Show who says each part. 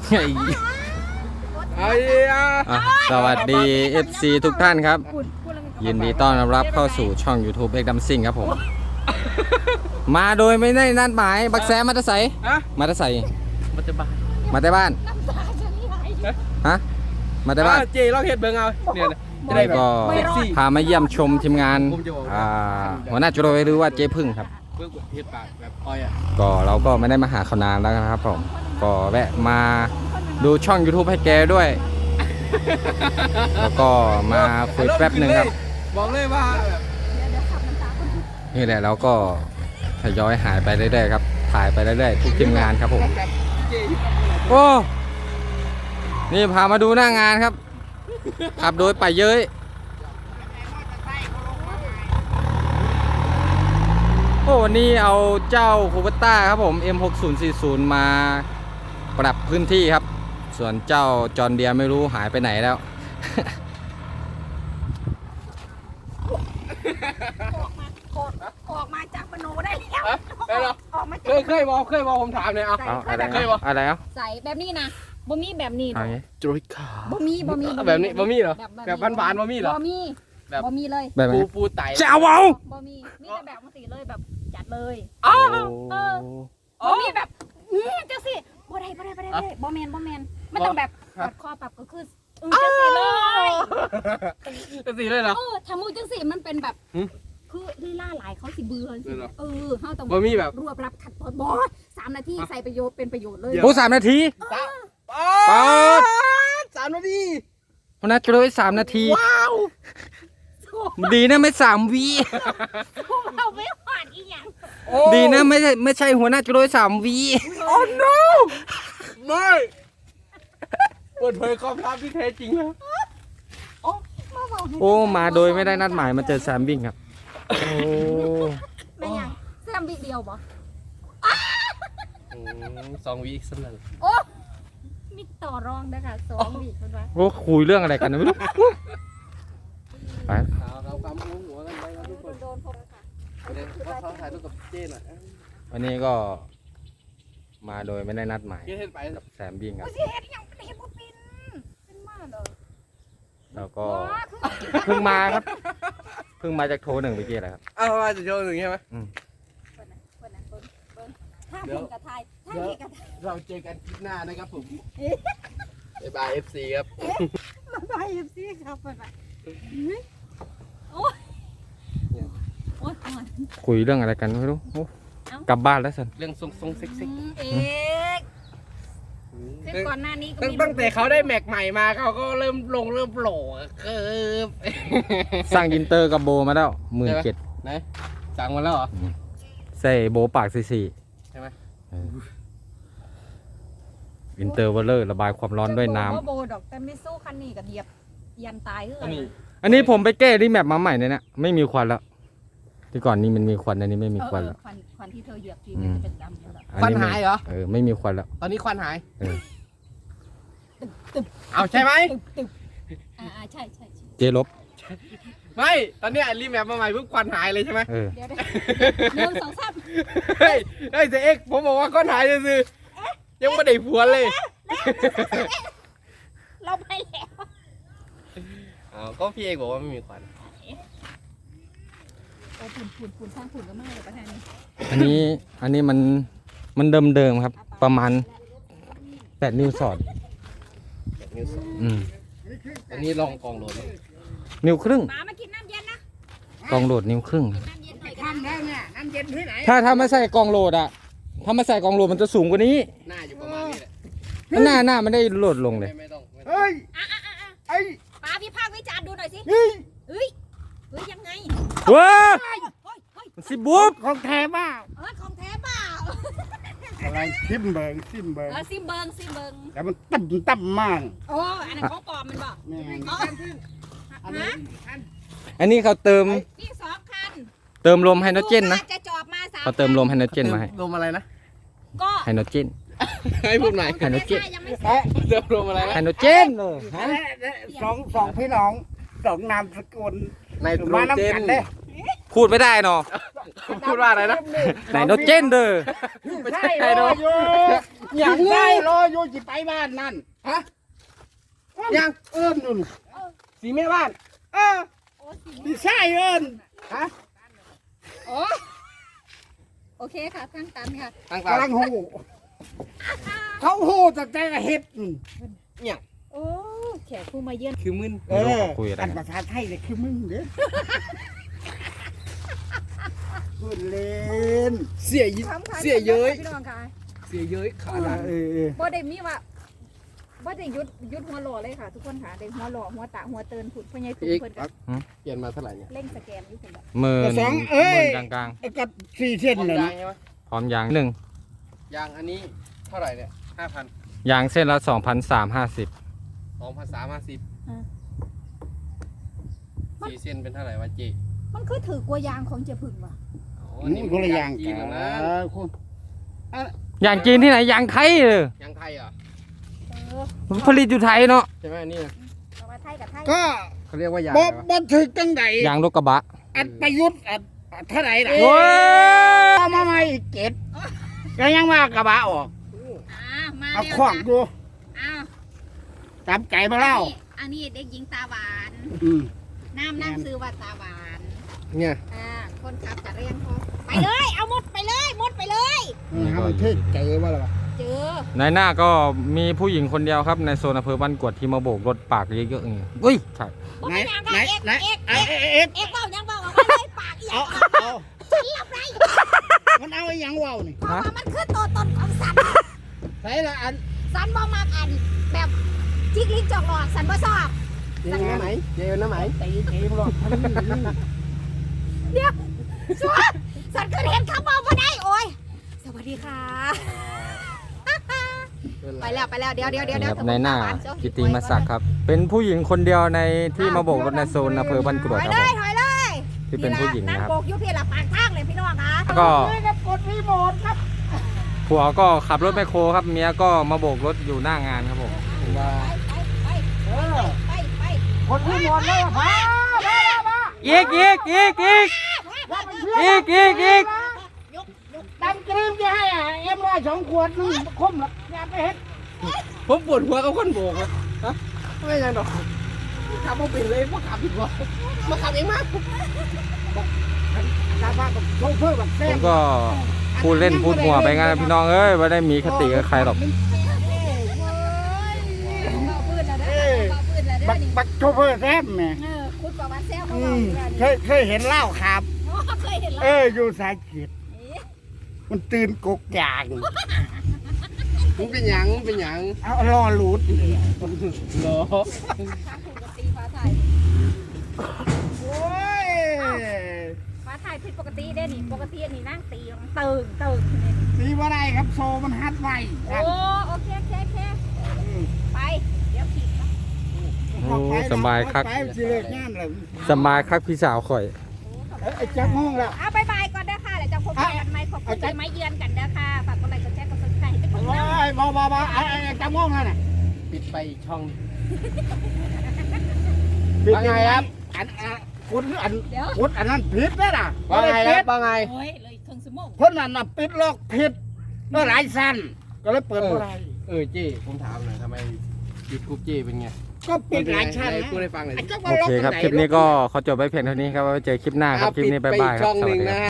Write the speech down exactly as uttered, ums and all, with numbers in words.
Speaker 1: สวัสดี เอฟ ซี ทุกท่านครับยินดีต้อนรับเข้าสู่ช่อง YouTube เอ็กดัมซิงครับผมมาโดยไม่ได้นัดหมายบักแซมาตะไสมาตะไสมาแต่บ้านมาแต่บ้านฮะมาแต่บ้าน
Speaker 2: เจเราเห็ดเบิ้งเอาเนี่ย
Speaker 1: ก็พามาเยี่ยมชมทีมงานหัวหน้าจุโรหรือว่าเจ๊พึ่งครับก็เราก็ไม่ได้มาหาเขานานแล้วนะครับผมก็แวะมาดูช่อง YouTube ให้แกด้วยแล้วก็มาคุยแป๊บหนึ่งครับ
Speaker 2: บอกเลยว่า
Speaker 1: นี่แหละเราก็ทยอยหายไปเรื่อยๆครับถ่ายไปเรื่อยๆทุกทีมงานครับผมโอ้นี่พามาดูหน้างานครับขับโดยไปเย้ยโอ้วันนี้เอาเจ้าคูเปต้าครับผม เอ็ม หกศูนย์สี่ศูนย์ มาปรับพื้นที่ครับส่วนเจ้าจอห์นเดียร์ไม่รู้หายไปไหนแล้ว
Speaker 3: ออกมาจากปโนได้แล้วออกมา
Speaker 2: เคยเคยบอกเคยบอกผมถามเลยเอา
Speaker 1: อะไรเคยบอกอะไรเอา
Speaker 3: ใส่แบบนี้นะบ่มีแบบนี้
Speaker 2: จุยขา
Speaker 3: บ่มีบ่มี
Speaker 2: แบบนี้บ่มีเหรอแบบบานๆบ่มีเหรอ
Speaker 3: บ่มีแบบบ่มีเลย
Speaker 1: แบบ
Speaker 2: ปูปูไต
Speaker 1: จะเอาเอา
Speaker 3: บ่มีมีแต่แบบมันสีเลยแบบจัดเลย
Speaker 2: อ๋อ
Speaker 3: เออบ่มีแบบจังสิบ่ได้บ่ได้บ่ได้บ่แมนบ่แมนไม่ต้องแบบกดคอปรับก็คือจังสิเลย
Speaker 2: จังสิเลยเหรอ
Speaker 3: เออทำมือจังสิมันเป็นแบบคือลีลาหลายเขาสิเบื่อเออเขาต้อง
Speaker 2: บ่มีแบบ
Speaker 3: รวบรับขัดบอสบอสสามนาทีใส่ประโยชน์เป็นประโยชน์เลย
Speaker 1: โอ้สามนาที
Speaker 2: ป๊าสามนาที
Speaker 1: คนนัดเลยสามนาที
Speaker 2: ว้าว
Speaker 1: ดีนะไม่สามวี
Speaker 3: เราไม่หวานอีกอย่าง
Speaker 1: ดีนะไม่ใช่ไม่ใช่หัวหน้าจุโรยสามวี
Speaker 2: โอ้ no ไม่เปิดเผยความลับที่แท้จริงแล้ว
Speaker 1: โอ้มาโดยไม่ได้นัดหมายมาเจอแซมวิ่งครับโอ้
Speaker 3: ไม่ยังแซมวิ่งเดียวบ่
Speaker 2: สองวีสนั่น
Speaker 3: โอ้มีต่อรองนะคะสองวีคนวะ
Speaker 1: โอ้คุยเรื่องอะไรกันไม่รู้ไป
Speaker 2: เรากำหัวกันไปครับทุกคนโดนพบค่ะเขาถ่ายรูปกับเจนอ่ะ
Speaker 1: วันนี้ก็มาโดยไม่ได้นัดหมายกับแซมวิ่งครับแล้วก็เพิ่งมาครับเพิ่งมาจากโทรหนึ่งเมื่อกี้แหละครับ
Speaker 2: อ้าวมาจากโทรหนึ่งใช่ไหม
Speaker 3: เดี๋ยว
Speaker 2: เราเจอกันคลิปหน้านะครับผมบ๊ายบาย เอฟ ซี ครับ
Speaker 3: บ๊ายบาย เอฟ ซี ครับบ๊ายบายโอ้ยโอ้ย
Speaker 1: คุยเรื่องอะไรกันไม่รู้กลับบ้านแล้วสัน
Speaker 2: เรื่องทรงทรงเซ็กซี่
Speaker 3: เอกซึ่งก่อนหน้านี้
Speaker 2: ตั้งแต่เขาได้แม็กใหม่มาเขาก็เริ่มลงเริ่มโผล่คือ
Speaker 1: สั่งอินเตอร์กับโบมาแล้วหมื่นเจ็ด
Speaker 2: ไหนสั่งมาแล้วเหรอ
Speaker 1: ใส่โบปากสี่สี่
Speaker 2: ใช่ไหม
Speaker 1: อินเตอร์วอลเลอร์ระบายความร้อนด้วยน้ำ
Speaker 3: โบดอกแต่ไม่สู้คันนี้กับเหยียบยันตายคือ
Speaker 1: อันนี้ผมไปแก้ที่แมปมาใหม่เนี่ยนะไม่มีควันแล้วที่ก่อนนี้มันมีควันอันนี้ไม่มีควันแล้ว
Speaker 3: ควันควันที่เธอเหยียบทีมันจะเป็นดำแล้ว
Speaker 2: ควันหายเหรอ
Speaker 1: เออไม่มีควันแล้ว
Speaker 2: ตอนนี้ควันหายเอาใช่ไหม
Speaker 3: อ่าใช่ใช่
Speaker 1: เจลบ
Speaker 2: ไม่ตอนนี้รีแมปมาใหม่เพิ่งควันหายเลยใช่ไหม
Speaker 1: เออ
Speaker 3: เดี๋ยวเดี๋ยวสองสาม
Speaker 2: เฮ้ยเฮ้ยเจ๊เอ็กผมบอกว่าควันหายเลยสิยังไม่ได้ผัวเลย
Speaker 3: เราไปแล้ว
Speaker 2: อ๋อก็พี่เอกบอกว่าไม่มีควัน
Speaker 3: โอ้ผุนผุนผุนสร้างผุนก็มากเลยประธานนี้
Speaker 1: อันนี้อันนี้มันมันเดิมเดิมครับประมาณแปดนิ้วสอด
Speaker 2: แปดนิ้วสอด
Speaker 1: อืม
Speaker 2: อันนี้ลองกองโหลด
Speaker 1: นิ้วครึ่ง
Speaker 3: มามากินน้ำเย็นนะ
Speaker 1: กองโหลดนิ้วครึ่ง
Speaker 3: น้ำเย็นหน่อยกันได้เนี่ยน้ำเย็นที่ไหน
Speaker 1: ถ้าถ้าไม่ใส่กองโหลดอะถ้าไม่ใส่กองโหลดมันจะสูงกว่านี้
Speaker 2: หน้าอยู่ประมาณนี้แหละ
Speaker 1: หน้าหน้าไม่ได้โหลดลงเลย
Speaker 2: ไม่ต้องเฮ้ย
Speaker 3: ไอ้ป้าพี่ภาควิจารณ์ดูหน่อยสิ
Speaker 2: เฮ้ย
Speaker 3: เฮ้ยเฮ้ยยังไง
Speaker 1: ว้าสิบุ๊บ
Speaker 2: ของแท้บ้า
Speaker 3: เออของแท้บ้า
Speaker 2: อะไรซิมเบิงซิมเบิง
Speaker 3: เออซิมเบิงซิมเบิง
Speaker 2: แต่มันตั้มตั้มมาก
Speaker 3: โอ้อันนั้นของปลอมมันบอก
Speaker 1: อันนี้เขาเติม
Speaker 3: นี่สองคัน
Speaker 1: เติมลมไฮโดรเจนนะ
Speaker 3: จะจอบมาสาม
Speaker 1: เขาเติมลมไฮโดรเจนมาให้
Speaker 2: ลมอะไรนะ
Speaker 3: ก็
Speaker 1: ไฮโดรเจน
Speaker 2: ให้พูดใหม่
Speaker 1: ไฮโดรเจน
Speaker 2: เติมลมอะไรนะ
Speaker 1: ไฮโดรเจนเลย
Speaker 2: สองสองพี่น้องสองนามสกุลในโดรเจน
Speaker 1: พูดไม่ได้เนาะ
Speaker 2: พูดว่าอะไรนะ
Speaker 1: ไฮโดรเจนเด้อ
Speaker 2: ไม่ใช่ไฮโดรอย่าง
Speaker 4: ใช่
Speaker 2: นี้
Speaker 4: รออยู่สิไปบ้านนั่น
Speaker 2: ฮะ
Speaker 4: ยังเอิ้นนู่น
Speaker 2: สีแม่บ้าน
Speaker 4: เออ
Speaker 3: โอ้สิ
Speaker 4: พี่ชายเอิ้น
Speaker 2: ฮะ
Speaker 3: โอ้โอเคค่ะตั้งตันค่ะ
Speaker 2: ต่างๆ
Speaker 4: กำลังหูเขาหูตั้งแต่เฮ็ดนู่น
Speaker 2: เนี่ย
Speaker 3: โอ้แขกผู้มาเยือน
Speaker 2: คือมึน
Speaker 4: เอ
Speaker 1: ไม่รู้
Speaker 4: อ
Speaker 1: เขาคุยอะไร
Speaker 4: อัน
Speaker 1: กัน
Speaker 4: ภาษาไทยเนี่ยคือมึงเด้อพูดเล่น
Speaker 2: เสียย
Speaker 3: คำค่ะ
Speaker 2: เสียเย้ย
Speaker 3: พี่น้องค่ะ
Speaker 2: เสียเย้ยขาด
Speaker 4: เออเออ
Speaker 3: บ่ได้มีว่าบ่ได้ยุดยุดหัวหล่อเลยค่ะ ทุกคนค่ะได้หัวหล่อหัวตาหัวเตือนผุดพ่อใหญ่ผุด
Speaker 2: อีก
Speaker 3: เพิ่นก็
Speaker 2: เปลี่ยนมาเท่าไหร่เนี่ย
Speaker 3: เร่งสแกนอยู่เพิ่นก็
Speaker 1: หมื่น
Speaker 4: สอง
Speaker 1: ห
Speaker 4: เอ้ย
Speaker 1: มื่นกลาง
Speaker 4: ไอ้กับสี่เส้น
Speaker 2: พร้อม
Speaker 4: เลย
Speaker 2: ยาง
Speaker 4: นะ
Speaker 2: ใช่ไหม
Speaker 1: ๆพร้อมยางหนึ่ง
Speaker 2: ยางอันนี้เท่าไหร่เนี่ยห้าพัน
Speaker 1: ยางเส้นละสองพันสามห้าสิบ
Speaker 2: สองพันสามห้าสิบสี่เซนเป็นเท่าไหร่วะเจ
Speaker 3: มันคือถือกลัวยางของเจ้าพึ่งว่ะ
Speaker 2: อ๋อ
Speaker 4: อืมคนละอย่าง
Speaker 2: จี
Speaker 4: กัน น
Speaker 2: นะ
Speaker 4: คุณ
Speaker 1: ยางจีนที่ไหนยางไทยเลย
Speaker 2: ยางไทยเหรอ
Speaker 3: เออ
Speaker 1: มันผลิตอยู่ไทยเนาะ
Speaker 2: ใช่ไหมอันนี่
Speaker 3: เอามาไทยกับไทย
Speaker 4: ก็
Speaker 2: เขาเรียกว่ายาง
Speaker 4: บ่
Speaker 2: อะไรวะ
Speaker 4: บ่ถึกจังได
Speaker 1: ยางรถกระบะ
Speaker 4: อันประยุทธ์อันอันเท่าไหร่ล่ะ
Speaker 1: โอ้ย
Speaker 4: เอามาใหม่อีกเจ็ดก็ยังว่ากระบะออก
Speaker 3: อ่ามา
Speaker 4: เอา
Speaker 3: แล้ว
Speaker 4: ขวางดู
Speaker 3: อ้าว
Speaker 4: ตามใจมาเล่า
Speaker 3: อันนี้เด็กหญิงตาหวาน
Speaker 4: อืม
Speaker 3: น้ำนั่งซื้อว่าตาหวาน
Speaker 2: เนี่ย
Speaker 3: อ่าคนขับจะเรียงพอไปเลยเอาหมดไปเลยหมดไปเลย
Speaker 4: อืมให้มันเท่ใจว่าล่ะ
Speaker 3: เจอ
Speaker 1: ในหน้าก็มีผู้หญิงคนเดียวครับในโซนอำเภอบ้านกวดที่มาโบกรถปากเยอะๆอย่างเงี้ยอุ้ยใช่
Speaker 4: ไหน
Speaker 3: บ่เป็นยัง
Speaker 4: ไหน
Speaker 3: ค่ะเอก
Speaker 4: ไหน
Speaker 3: เอก
Speaker 4: เอ๊ะ
Speaker 3: เอก
Speaker 4: เอ๊ะเอ๊ะ
Speaker 3: เอกเบ้ายังเบ้าออกมาเลยปากอีห
Speaker 4: เอา
Speaker 3: ยัง
Speaker 4: เอา
Speaker 3: ฉันรับไร
Speaker 4: มันเอาไอ้หยังว่าวนี่
Speaker 3: เพราะว่ามันคือตัวตนของสัน
Speaker 4: ใส่ละอัน
Speaker 3: สันบ่มากอันแบบจิกลิ้นจอกหลอกสันบ่ชอบ
Speaker 2: เจเอาน้ำไหมเจเอาน้ำไหม
Speaker 4: ตีเกมหรอกทั้งนี้
Speaker 3: เดี๋ยวสันสันคือเห็นคำบอกบ่ได้โอ้ยสวัสดีค่ะไปแล้วไปแล้วเดี๋ยวเดี๋ยวเดี๋ยว
Speaker 1: นี่
Speaker 3: เดี๋ย
Speaker 1: คว รับในหน้ากิติมศักดิ์ครับ เป็นผู้หญิงคนเดียวในที่มาโบกรถในโซนอำเภอบ้านกร
Speaker 3: ถ
Speaker 1: วด
Speaker 3: อย
Speaker 1: ครับ
Speaker 3: เล
Speaker 1: ผ
Speaker 3: ย
Speaker 1: ม
Speaker 3: ถอยเลย
Speaker 1: ที่เป็นผู้หญิง
Speaker 3: นั่ง
Speaker 1: นะครับ
Speaker 3: โบกอยู่พี่ละปากทางเลยพี่น้องคะ
Speaker 1: แล้วก็
Speaker 4: นี่ครับกดรีโมทครับ
Speaker 1: ผัวก็ขับรถแมคโครครับเมียก็มาโบกรถอยู่หน้างานครับผม
Speaker 2: ว่า
Speaker 3: ไปไป
Speaker 4: เออ
Speaker 3: ไปไป
Speaker 4: กดรีโมทแล้วพาพาพา
Speaker 1: อีกอีกอีกอีกอีกอีกอีก
Speaker 3: ยกยก
Speaker 4: ดำกรีมจะให้อ่ะเอ็มร้อยสองขวดนึงคมหรอกอย่าไปเฮ็ด
Speaker 2: ผมปวดหัวกับคนโบกอะฮะไม่ยังดอกขับมาเป็นเลยว่าขับผิดวะมาขับเองมาก
Speaker 4: กาบ้าแบบโชเฟอร์แบบแซ่
Speaker 1: ผม
Speaker 4: บ
Speaker 1: ก็พูดเล่นพูดหัวไปงั้นนะพี่น้องเอ้ยไม่ได้มีคติกับใครหรอก
Speaker 3: เบาปืนแล้วเด้อเบาปืนแล้วเด้
Speaker 4: บั
Speaker 3: อก นี่
Speaker 4: บักโชเฟอร์แซ่บแหม่
Speaker 3: เออคุณประวัติแซวเขา
Speaker 4: อื
Speaker 3: เบาม อยู่แล้ว
Speaker 4: เค
Speaker 3: นี่
Speaker 4: ยเคยเห็นเหล้าครับ
Speaker 3: โอ้เคยเห็น
Speaker 4: เอ
Speaker 3: แล้ว
Speaker 4: ออยู่สายเขียดมันตื่นกกยาง
Speaker 2: มึงเป็นหยังมึงเป็นหยัง
Speaker 4: เอารอหลุด
Speaker 2: เหรอ
Speaker 3: ทางถูกกับตีฟ้าไทย
Speaker 4: โอ้ย
Speaker 3: ฟ้าไทยผิดปกติเด้นี่ปกตินี่นั่งตีมันตึงตึงนี่
Speaker 4: ตีว่าไรครับโซมันฮัดไว้
Speaker 3: โอ้โอเคโอเคโอเคไปเดี๋ยวขี่นะ
Speaker 1: โอ้สบายครับ
Speaker 4: ไปสิเลิกงานแล้ว
Speaker 1: สบายครับพี่สาวข่อย
Speaker 4: เอ้ยไอ้จักรห้องแล้ว
Speaker 3: เอาบายบายก่อนเด้อค่ะเดี๋ยวจะพบกันใหม่ขอบคุณที่มาเยือนกันเด้อค่ะฝากกดไลค์กดแชร์กดซับสไครต์ให้เป็นกำลังใจ
Speaker 4: โอ้ยบอบอบอไอ้ไอ้จักรห้องนั่นน่ะ
Speaker 2: ปิดไปอีกช่อง
Speaker 4: ผิด
Speaker 2: ว่าไงครับ
Speaker 4: อันอันคุณอัน
Speaker 3: เดี๋ยว
Speaker 4: คุณอันนั้นผิดนะน่ะ
Speaker 2: ว่าไงครับว่าไง
Speaker 3: โอ้ยเลยครึ่งชั่วโมง
Speaker 4: คนนั้นน่ะปิดลอกผิดก็หลายสั้นก็เลยเปิดบ่ได้
Speaker 2: เออเจ้ผมถามหน่อยทำไมยูทูบเจ้เป็นไง
Speaker 4: ก็ปิดหลายชั้น
Speaker 2: ไห
Speaker 4: นะ
Speaker 2: พูดให้ฟังหน่อย
Speaker 4: ไอ้
Speaker 2: ดิ
Speaker 4: จักร
Speaker 1: โอ
Speaker 4: ว่าล็อก
Speaker 1: เคครับ
Speaker 4: ตงไหน
Speaker 1: คลิปนี้ก็ขอจบไว้เพียงเท่านี้ครับไว้เจอคลิปหน้าครับคลิปนี้บ๊ายบายครับ
Speaker 2: ช่อง
Speaker 1: ส
Speaker 2: ห
Speaker 1: วัส
Speaker 2: นึ่ง
Speaker 1: ดีครับ
Speaker 2: นะ